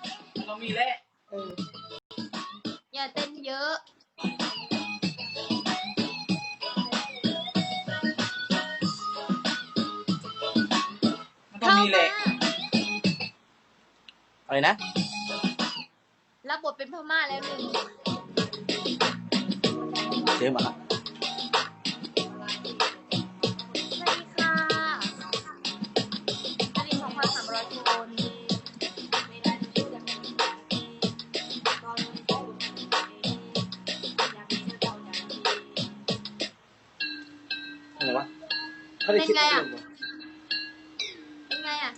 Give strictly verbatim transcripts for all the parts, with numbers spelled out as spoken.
ต้องมีแหละเอออย่าเต้นเยอะต้องมีแหละอะไรนะรับบทเป็นพม่าแล้วหนึ่งเจ๊มาละอะไรวะเป็นไงอ่ะเป็นไงอ่ะ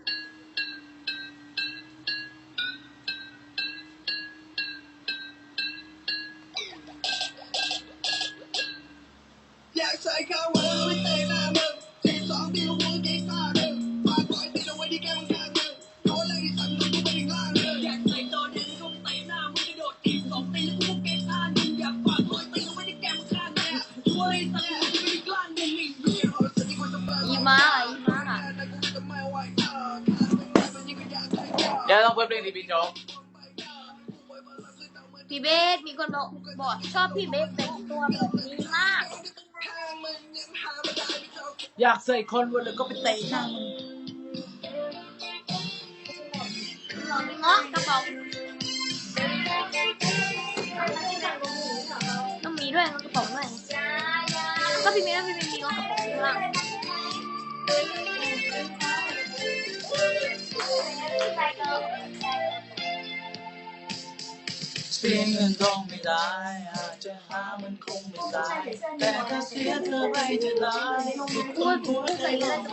อยากใส่ข้าวไว้ไว้เตะหน้ามึงทีสองที่หัวเก่งซ่าเดิมฝากปล่อยตีเอาไว้ที่แก้มข้างมึงโดนเลยที่สั่งมึงกูไปถึงล่างเลยอยากใส่ตัวดึงก็เตะหน้ามึงกระโดดทีสองตีแล้วกูเก่งซ่ามึงอยากฝากปล่อยตีเอาไว้ที่แก้มข้างมึงช่วยสั่งมึงกูไปถึงล่างมึงนี่อีมาอีมาเดี๋ยวต้องเปิดเพลงที่พี่โจ๊กพี่เบสมีคนบอกบอกชอบพี่เบสแต่งตัวแบบนี้มากอยากใส่คนวันเลยก็ไปเตะหน้ามึงเงาะกระป๋องต้องมีด้วยกระป๋องด้วยก็พี่เบสพี่เบสมีเงาะกระป๋องข้างล่างเสียเงินทองไม่ได้อาจจะหามันคงไม่ได้แต่ถ้าเสียเธอไปจะได้พูดพูดใส่เงิน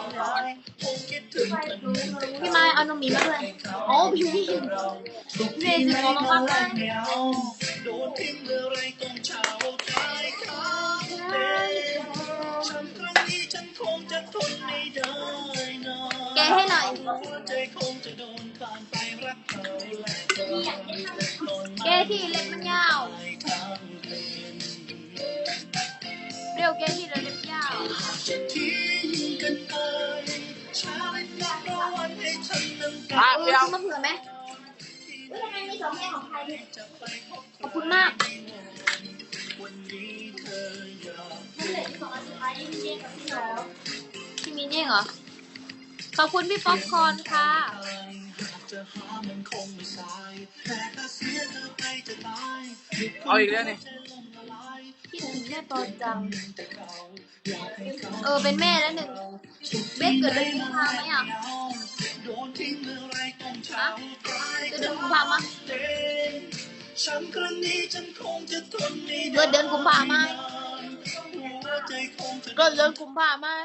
พี่ไม้เอานมหมีมาด้วยโอ้พี่พี่เนจะขอมาบ้างโดนทิ้งเมื่อไรต้องเช่าใจเขาฉันครั้งนี้ฉันคงจะทนไม่ได้นะแกให้หน่อยใจคงจะโดนผ่านไปรักเขาแกที่เล็บมันยาวเร็วแกที่เล็บยาวภาพเดียวมาเผื่อไหมทำไมมีสองแง่ของใครขอบคุณมากพี่มีเนี่ยเหรอขอบคุณพี่ป๊อปคอร์นค่ะเอาอีกแล้วนี่คิดถึงแม่ปอจังเออเป็นแม่แล้วหนึ่งเบสเกิดเดือนกุมภาไหมอ่ะฮะเกิดเดือนกุมภามั้ยเกิดเดือนกุมภาไหมเกิดเดือนกุมภาไหม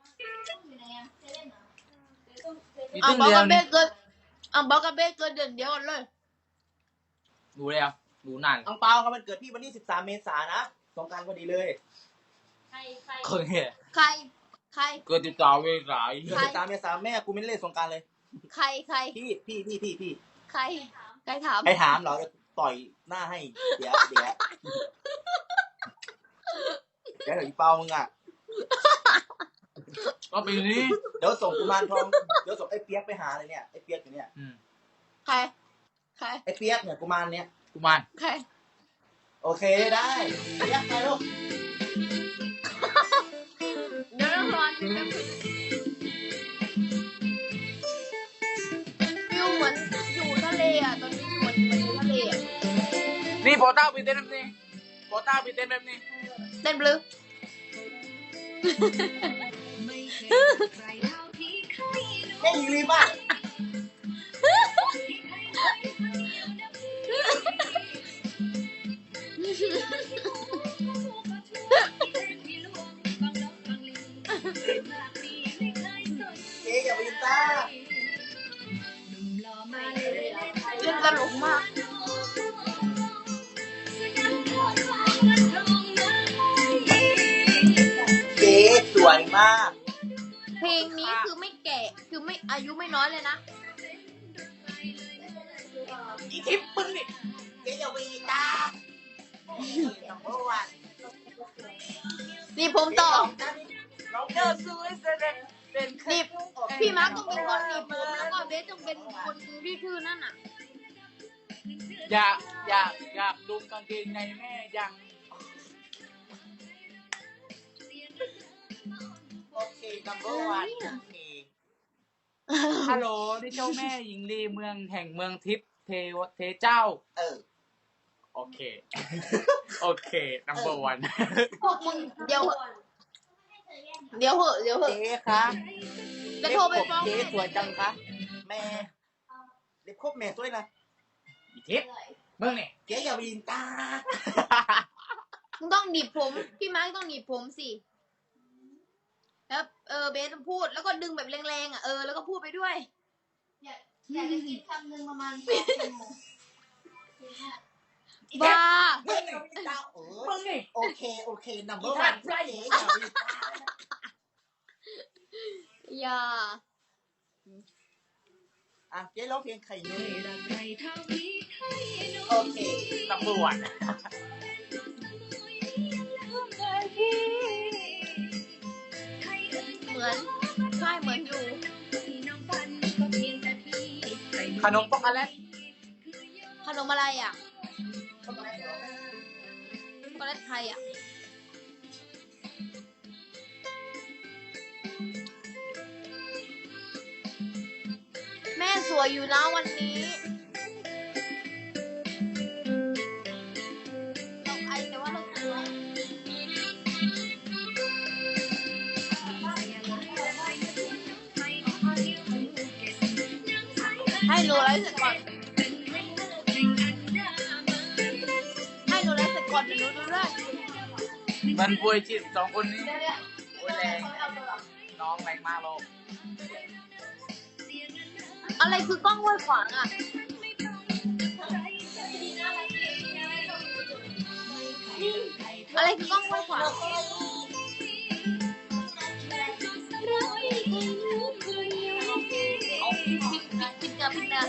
อ่ะบอกกับเบสเกิดอ่ะบอกกับเบสเกิดเดือนเดียวกันเลยดูเลยอ่ะดูนานอังเปาครับมันเกิดพี่วันที่สิบสามเมษายนนะสงกรานต์พอดีเลยใครใครเคยเห็นใครใครเกิดติดต่อเวลาเกิดสิบสามเมษายนแม่กูไม่เล่นสงกรานต์เลยใครใครพี่พี่พี่พี่พี่ใครใครถามใครถามเหรอจะต่อยหน้าให้เดี๋ยวเดี๋ยวเดี๋ยวไอ้เปามึงอ่ะก็ปีนี้เดี๋ยวส่งกุมารทองเดี๋ยวส่งไอ้เปียกไปหาเลยเนี่ยไอ้เปียกอยู่เนี่ยใครใครไอ้เปียกเนี่ยกุมารเนี่ยกุมารใครโอเคได้เปียกไปลูกเดี๋ยวรอฟิวเหมือนอยู่ทะเลอ่ะตอนนี้เหมือนอยู่ทะเลอ่ะนี่โปต้าไปเต้นแบบนี้โปต้าไปเต้นแบบนี้เต้นบลูเต้นอีลีป่ะเจ๊อย่าไปตาเล่นตลกมากเจ๊สวยมากเพลงนี้คือไม่แก่คือไม่อายุไม่น้อยเลยนะอีทิปปึ้งนี่เจ๊อย่าไปตานี่ผมต่อเจอซื้อเสร็จนี่พี่มาร์คต้องเป็นคนหนีบผมแล้วก็เบสต้องเป็นคนที่ชื่อนั่นน่ะอยากอยากอยากดูกางเกงในแม่ยังโอเค number one โอเคฮัลโหลนี่เจ้าแม่หญิงลีเมืองแห่งเมืองทิพย์เทวเทเจ้าเออโอเคโอเค number one พวกมึงเดี๋ยวเดี๋ยวเหอะเดี๋ยวเหอะเจ๊คะจะโทรไปฟ้องเจ๊สวยจังคะแม่เล็บครบแม่สวยนะอีทิพย์มึงเนี่ยเจ๊อย่าวินตามึงต้องหนีบผมพี่มาร์คต้องหนีบผมสิแล้วเออเบสพูดแล้วก็ดึงแบบแรงๆอ่ะเออแล้วก็พูดไปด้วยอยากอยากจะกินคำหนึ่งประมาณสองชั่วโมงบ้ามึงอย่าวินตาเออมึงนี่โอเคโอเค number one เจ๊อย่าวินตาอย่าอ่ะเจ๊ร้องเพลงไข่เนยโอเค number one เหมือนใช่เหมือนอยู่ขนมป๊อกอะไรขนมอะไรอ่ะช็อกโกแลตไทยอ่ะแม่สวยอยู่นะวันนี้เราไอแต่ว่าเราสวยให้หนูไลฟ์เสร็จก่อนให้หนูไลฟ์เสร็จก่อนเดี๋ยวหนูดูด้วยมันป่วยจิตสองคนนี้ป่วยแรงน้องแรงมากโลกอะไรคือกล้องห้วยขวางอ่ะอะไรคือกล้องห้วยขวางเอาพิมพ์พิมพ์พิมพ์กับพิมพ์นะ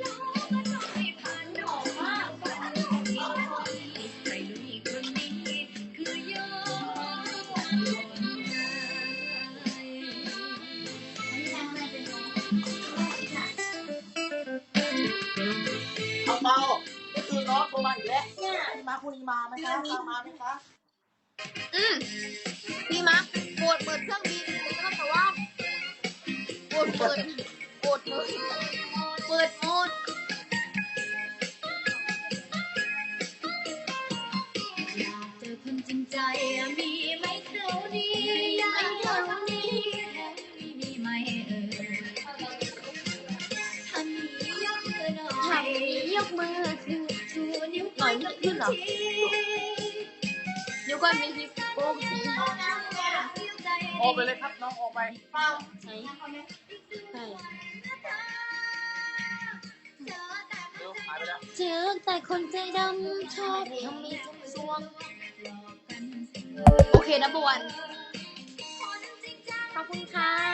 เอาเปล่าก็คือน้องโทรมาอีกแล้วพี่มาคุณนีมาไหมคะมาไหมคะอืมพี่มาโกดเปิดเครื่องบินแล้วก็แต่ว่าโกดเปิดโกดเปิดเปิดโหมดอยากเจอคนจริงใจมีไหมเท่านี้อยากเจอคนนี้มีไหมเออทำนี้ยกมือหน่อยทำนี้ยกมือชูชูนิ้วก้อยกับนิ้วชี้นิ้วก้อยมีฮิปโป้งสีออกไปเลยครับน้องออกไปใช่ใช่เจอแต่คนใจดำชอบทำมีจุ่มซวงโอเคนะบวนขอบคุณค่ะ